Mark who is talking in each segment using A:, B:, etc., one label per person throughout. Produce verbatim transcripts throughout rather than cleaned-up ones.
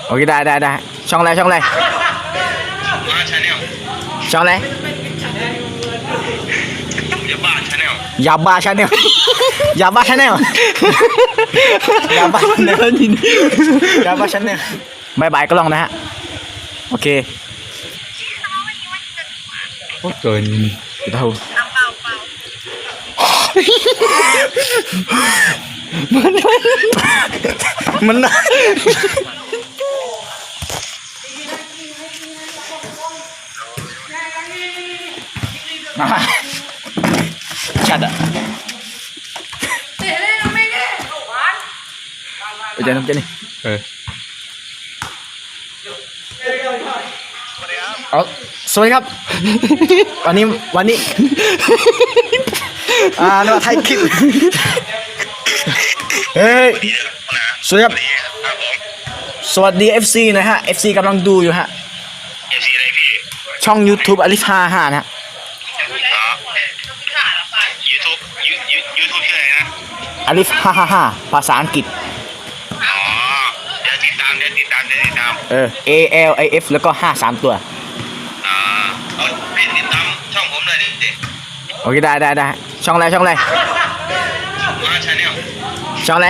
A: โอเคได้ได้ได้ช่องอะไรช่องอะไร
B: บ้าชาแนล
A: ช่องอะไร
B: ยาบ้าชาแนล
A: ยาบ้าชาแนลยาบ้าชาแนลยาบ้าชาแนลยาบ้าชาแนลบายบายก็ลองนะฮะโอเคโอ้เกินเท่ามันมันชัดอ่ะไปเจอน้ำเจนี่เออเอาสวัสดีครับวันนี้วันนี้อ่าเราไทยคลิปเฮ้ยสวัสดีครับสวัสดี เอฟ ซี นะฮะ เอฟ ซี กำลังดูอยู่ฮะ
B: เอฟซีอะไรพี่
A: ช่อง YouTube อลิฟห้าห้านะฮะ
B: ยูทูบยูยูยูทูบชื่ออะไรนะ
A: อลิฟห้าห้าห้าภาษาอังกฤษ
B: อ๋อเดี๋ยวติดตามเดี๋ยวติดตามเดี๋ยวติดตาม
A: เออ A L I F แล้วก็ห้าสามตัว
B: อ่าเอาให้ติดตามช่องผมเลยดิดิ
A: โอเคได้ได้ได้ช่องอะไรช่องอะไร
B: บ้าชาแนล
A: ช่องอะไร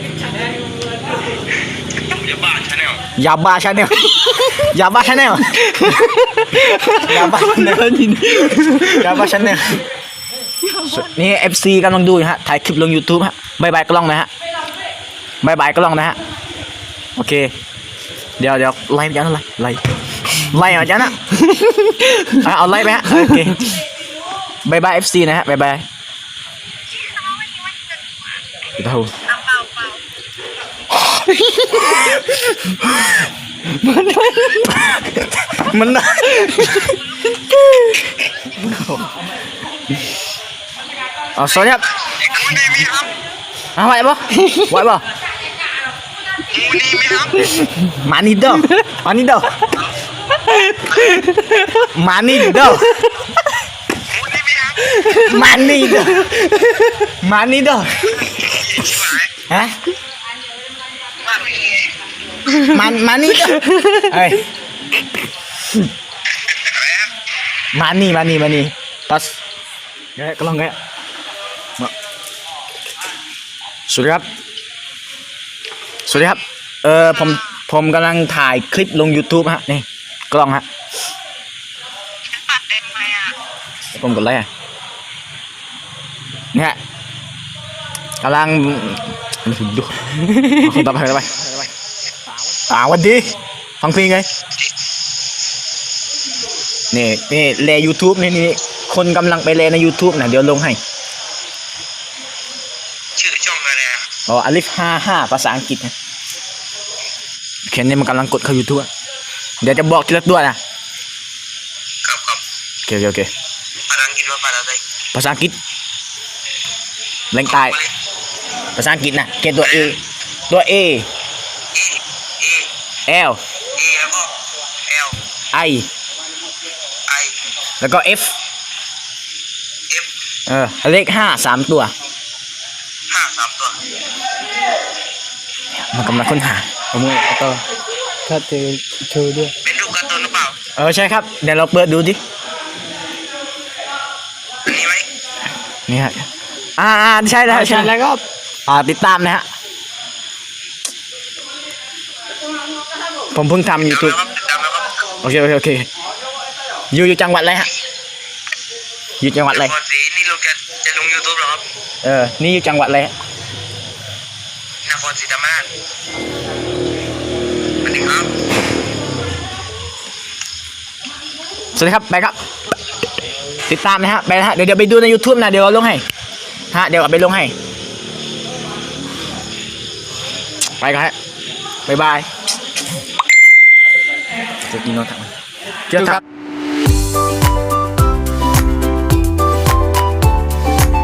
B: ยาบ้าชาแนล
A: ยาบ้าชาแนลยาบ้าชาแนลยาบ้าชาแนลยาบ้าชาแนลนี่ เอฟ ซี กำลังดูอยู่ฮะถ่ายคลิปลง YouTube ฮะบายบายก็ลองนะฮะบายบายก็ลองนะฮะโอเคเดี๋ยวเดี๋ยวไล่ไปจังนะไล่ไล่ไล่มาจังนะเอาไล่ไปฮะโอเคบายบาย เอฟ ซี นะฮะบายบายเท่ามันมันอ๋อสวัสดีครับไหวปะไหวปะมานี่เด้อมานี่เด้อมานี่เด้อมานี่เด้อมานี่เด้อฮะมันมานี่เด้อเฮ้ยมานี่มานี่มานี่ปัสเงี้ยก็ลองเงี้ยสวัสดีครับสวัสดีครับเออผมผมกำลังถ่ายคลิปลง YouTube ฮะนี่กล้องฮะผมกดไลค์อ่ะเนี่ยกำลังดูคนต่อไปต่อไปอ่าวันดีฟังเพลงไงนี่นี่แล YouTube นี่นี่คนกำลังไปแลใน YouTube นะเดี๋ยวลงให้
B: ชื่อช่องอะไรอ่ะ
A: อ๋ออลิฟห้าห้าภาษาอังกฤษนะเขียนนี่มันกำลังกดเข้า YouTube เดี๋ยวจะบอกทีละตัวนะครับ
B: ครับ
A: โอเคโอเค
B: ภาษาอังกฤษว่าภาษาอะไร
A: ภาษาอังกฤษแรงใต้ภาษาอังกฤษนะเขียนตัว A ตัว A
B: A
A: L
B: A แล้วก็ L
A: I
B: I
A: แล้วก็ F
B: F
A: เออเลขห้าสามตัว
B: ห้าสามตัว
A: มันกำลังค้นหาเอามือเอาต่อถ้าเจอเจอด้วย
B: เป็นรูปการ์ตูนหรือเปล่า
A: เออใช่ครับเดี๋ยวเราเปิดดูดิ
B: อันนี้ไหม
A: นี่ฮะอ่าใช่แล้วใช่แล้วก็อ่าติดตามนะฮะผมเพิ่งทำ YouTube โอเคโอเคโอเคอยู่อยู่จังหวัดอะไรฮะอยู่จังหวัดอะไร
B: นี่เราจะจะลง YouTube หรอครับ
A: เออนี่อยู่จังหวัดอะไร
B: นครศรีธรรมราชสวัสดีครับ
A: สวัสดีครับไปครับติดตามนะฮะไปนะฮะเดี๋ยวเดี๋ยวไปดูใน YouTube นะเดี๋ยวลงให้ฮะเดี๋ยวไปลงให้ไปกันฮะบ๊ายบายจะกินโน้ตถังเจอครับ